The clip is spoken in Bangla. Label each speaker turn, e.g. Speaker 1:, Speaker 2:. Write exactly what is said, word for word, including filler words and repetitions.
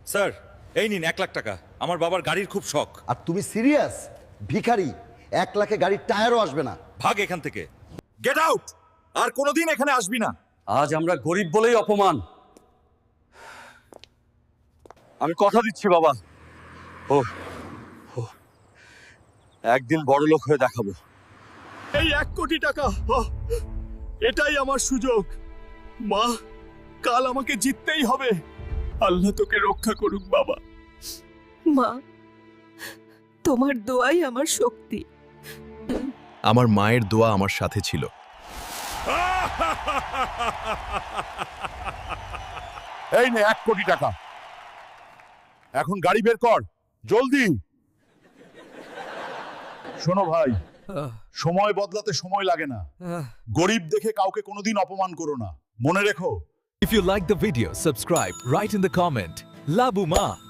Speaker 1: স্যার এই নিন এক লাখ টাকা, আমার বাবার গাড়ির খুব শখ।
Speaker 2: আর তুমি সিরিয়াস? ভিখারি, এক লাখে গাড়ির টায়ারও আসবে না।
Speaker 1: ভাগ এখান থেকে, গেট আউট, আর কোনোদিন এখানে আসবি না।
Speaker 3: আজ আমরা গরিব বলেই অপমান।
Speaker 4: আমি কথা দিচ্ছি বাবা, ও ও, একদিন বড় লোক হয়ে দেখাবো। এই এক কোটি টাকা, ও, এটাই আমার সুযোগ। মা, কাল আমাকে জিততেই হবে। আল্লাহ তোকে রক্ষা করুক বাবা।
Speaker 5: মা, তোমার দোয়াই আমার শক্তি।
Speaker 6: আমার মায়ের দোয়া আমার সাথে ছিল।
Speaker 4: এই নে এক কোটি টাকা, এখন গাড়ি বের কর জলদি। শোনো ভাই, সময় বদলাতে সময় লাগে না। গরিব দেখে কাউকে কোনোদিন অপমান করো না, মনে রেখো।
Speaker 6: If you like the video, subscribe, write in the comment. Labu Ma.